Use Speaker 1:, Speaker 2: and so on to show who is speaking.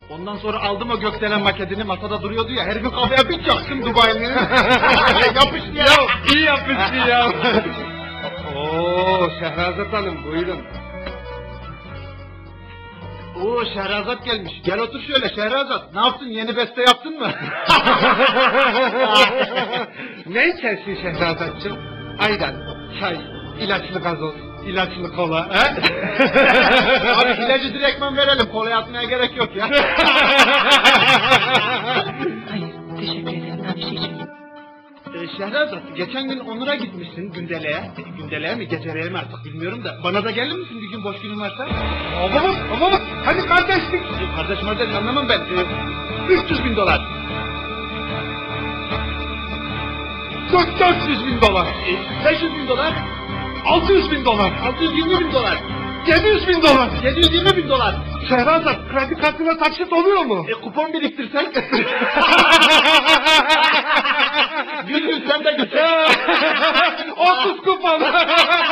Speaker 1: Ondan sonra aldım o gökdelen maketini, masada duruyordu ya, herifin kafaya bir çaktım Dubai'nin. Yapıştı ya.
Speaker 2: İyi yapmışsın ya. Oo, Şehrazat Hanım buyurun.
Speaker 1: Oo, Şehrazat gelmiş. Gel otur şöyle Şehrazat. Ne yaptın, yeni beste yaptın mı?
Speaker 2: Ne içersin Şehrazatçım? Ayran, çay, ilaçlı gazoz, ilaçlı kola. He?
Speaker 1: Abi ilacı direktmen verelim, kolaya atmaya gerek yok ya.
Speaker 3: Hayır, teşekkür ederim. Ben bir şey içmeyeyim.
Speaker 1: Şehrazat, geçen gün Onur'a gitmişsin Gündele'ye. Gündele'ye mi, Gecele'ye mi artık bilmiyorum da. Bana da gelir misin bir gün boş günün varsa?
Speaker 2: Babam, hadi kardeşlik.
Speaker 1: Kardeş kardeş anlamam ben. 300 bin dolar.
Speaker 2: 400 bin dolar.
Speaker 1: 500 bin dolar.
Speaker 2: 600 bin dolar.
Speaker 1: 620 bin dolar.
Speaker 2: 700 bin dolar.
Speaker 1: 720 bin dolar.
Speaker 2: Şehrazat, kredi kartına taksit oluyor mu?
Speaker 1: Kupon biriktirsen. Gün sen de götür.
Speaker 2: 30 kupon.